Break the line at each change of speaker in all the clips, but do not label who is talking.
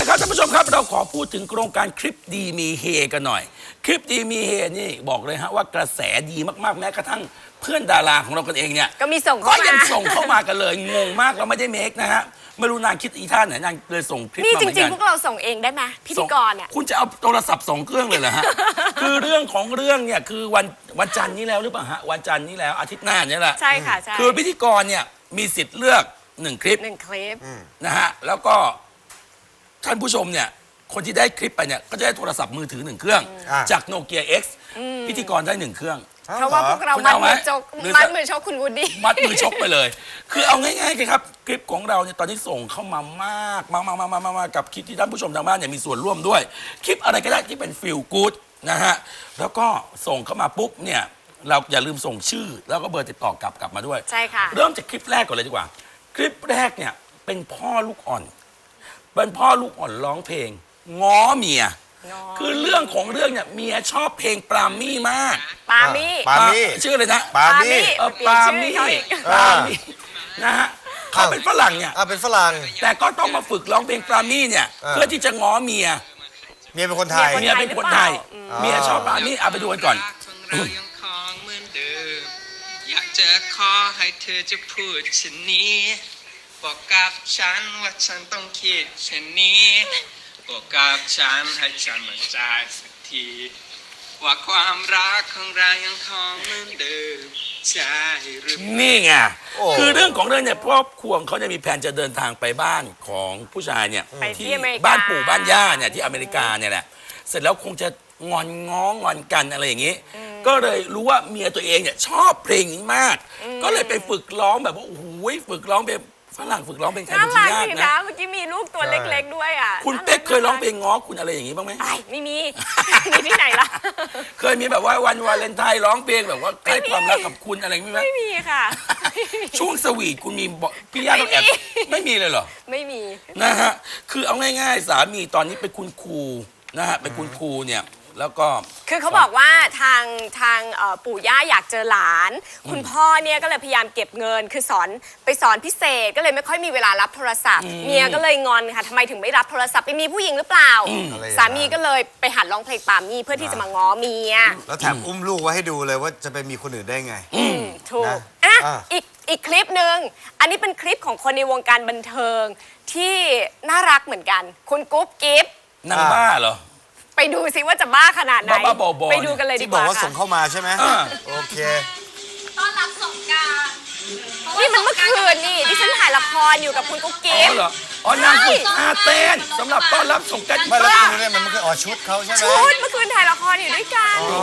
ครับท่านผู้ชมครับเราขอพูดถึงโครงการคลิปดีมีเฮกันหน่อยคลิปดีมีเฮนี่บอกเลยฮะว่ากระแสดีมากๆแม้กระทั่งเพื่อนดาราของเรากันเองเนี่ย
ก็มีส่งเข้า
ก็
มา
ยังส่งเข้ามากันเลยงงมากเราไม่ได้เมคนะฮะไม่รู้นางคิดอีท่าไหนนางเลยส่งคลิป
นี่
มา
จ
เหมือน
ริง
กัน
ๆพวกเราส่งเองได้ไหมพิธีกรเนี่ย
คุณจะเอาโทรศัพท์2 เครื่องเลยเหรอฮะ คือเรื่องของเรื่องเนี่ยคือวันจันทร์นี้แล้วหรือเปล่าฮะวันจันทร์นี้แล้วอาทิตย์หน้าเนี่ยแหละ
ใช่ค่ะใช่
คือพิธีกรเนี่ยมีสิทธิ์เลือก1 คลิป
1 คลิป
นะฮะแล้วก็ท่านผู้ชมเนี่ยคนที่ได้คลิปไปเนี่ยก็จะได้โทรศัพท์มือถือ1 เครื่อง จากโนเกีย X พิธีกรได้1 เครื่อง
เพราะว่าพวกเรา
คุณ
มัด
เอาไหม
มือจก
หรือ
มัดมือชกคุณวูดดี้
มัดมือชกไปเลย คือเอาง่ายๆเลยครับคลิปของเราเนี่ยตอนนี้ส่งเข้ามามากมากับคลิปที่ท่านผู้ชมทางบ้านเนี่ยมีส่วนร่วมด้วย คลิปอะไรก็ได้ที่เป็นฟีลกู๊ดนะฮะแล้วก็ส่งเข้ามาปุ๊บเนี่ยเราอย่าลืมส่งชื่อ แล้วก็เบอร์ติดต่อกลับมาด้วย
ใช่ค่ะ
เริ่มจากคลิปแรกก่อนเลยดีกว่า คลิปแรกเนี่ยเป็นพ่อลูกอ่อนเป็นพ่อลูกอ่อนร้องเพลงง้อเมีย คือเรื่องของเรื่องเนี่ยเมียชอบเพลงปรามี่มาก
ปามี่
ปามี่
ชื่ออะไรนะ
ปามี่
ปรามี่
เปลี่ยนชื่อเขาอีก
ปรามี่นะฮะเขาเป็นฝรั่งเนี่ย
เป็นฝรั่ง
แต่ก็ต้องมาฝึกร้องเพลงปรามี่เนี่ยเพื่อที่จะง้อเมีย
เมียเป็นคนไทย
เมียเป็นคนไทยเมียชอบปรามี่เอาไปดูกันก่อน
เรายังคงเหมือนเดิมอยากจะขอให้เธอจะพูดเช่นนี้บอกกับฉันว่าฉันต้องคิดเช่นนี้บอกกับฉันให้ฉันมั่นใจสักทีว่าความรักของเรายังคงเหมือนเดิมใช่หรือ
นี่ไง
โอ้
คือเรื่องของเรื่องเนี่ยครอบครัวของเขาเนี่ยมีแผนจะเดินทางไปบ้านของผู้ชายเนี่ย
ไปที่อเมริกา
บ้านปู่บ้านย่าเนี่ยที่อเมริกาเนี่ยแหละเสร็จแล้วคงจะงอนง้องอนกันอะไรอย่างนี้ ก็เลยรู้ว่าเมียตัวเองเนี่ยชอบเพลงนี้มาก ก็เลยไปฝึกร้องแบบว่าโอ้โหฝึกร้องเป็นฝรั่งฝึกร้องเพลงไทย
น่า
เป็น
รั
ที
ก
ยาก
ดี
นะ
นะเมื่อกี้มีลูกตัวเล็กๆด้วยอ่ะ
คุณเป๊กเคยร้องเพลงง้อคุณอะไรอย่างนี้บ้างไหม
ไอ้ไม่มี มีที่ไหนล่ะ
เคยมีแบบว่าวันวาเลนไทน์ร้องเพลงแบบว่าให้ความรักกับคุณอะไรอย่างนี้ไหม
ไม่มีค่ะ
ช่วงสวีทคุณมีบอกพี่ย่าต้องแอบไม่มีเลยเหรอ
ไม่มี
นะฮะ คือเอาง่ายๆ สามีตอนนี้เป็นคุณครูนะฮะ เป็นคุณครูเนี่ย แล้วก็
คือเขาบอกว่าทางปู่ย่าอยากเจอหลาน คุณพ่อเนี่ยก็เลยพยายามเก็บเงิน คือไปสอนพิเศษก็เลยไม่ค่อยมีเวลารับโทรศัพท์ เมียก็เลยงอนค่ะทำไมถึงไม่รับโทรศัพท์ไปมีผู้หญิงหรือเปล่า สามีก็เลยไปหัดร้องเพลงปามี่เพื่อที่จะมาง้อเมีย
แล้วแถมอุ้มลูกไว้ให้ดูเลยว่าจะไปมีคนอื่นได้ไง
ถูก
นะ
อ่ะ
อ่ะ
อีกคลิปหนึ่งอันนี้เป็นคลิปของคนในวงการบันเทิงที่น่ารักเหมือนกัน คุณกุ๊บกิ๊บ
นางบ้าเหรอ
ไปดูซิว่าจะบ้าขนาดไหน
บ้าๆบอๆ
ไปดูกันเลยดี
ที่
ก
บอก
ว่า
ว่าส่ง
ค่ะ
เข้ามาใช่ไหม
อ่า
โอเค
ต้อนรับสงกรานต์
นี่มันเมื่อคืนนี่ที่ฉันถ่ายละครอยู่กับคุณกุ๊บ
อ๋
กิ๊บ
อเหรอ อ๋อนางฝึกท่าเต้นสำหรับต้อนรับสงกรานต์
ไม่แล้วคุณเนี่ยมันคืออ๋อชุดเขาใช่ไหม
ชุดเมื่อคืนถ่ายละครอยู่ด้วยกัน
อ๋อ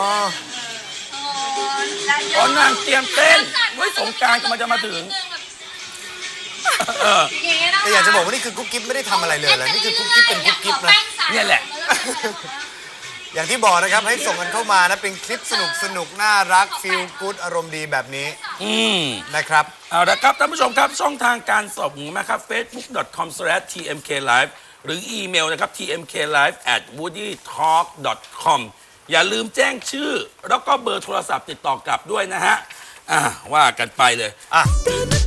อ๋อนางเตรียมเต้นไว้สงกรารกำลังจะมาถึง
อย่างเงี้ยนะ
แต่อยากจะบอกว่านี่คือกุ๊กกิ๊บไม่ได้ทำอะไรเลยนะนี่คือกุ๊กกิ๊บเป็นกุ๊กกิ๊บนะ
เนี่ยแหละ
อย่างที่บอกนะครับให้ส่งกันเข้ามานะเป็นคลิปสนุกน่ารักฟีลกู๊ดอารมณ์ดีแบบนี้ นะครับ
เอาละครับท่านผู้ชมครับ ช่องทางการส่งนะครับ facebook.com/tmklive หรืออีเมลนะครับ tmklive@woodytalk.com อย่าลืมแจ้งชื่อ แล้วก็เบอร์โทรศัพท์ติดต่อกลับด้วยนะฮะว่ากันไปเลย
อ่ะ
ตื่นมา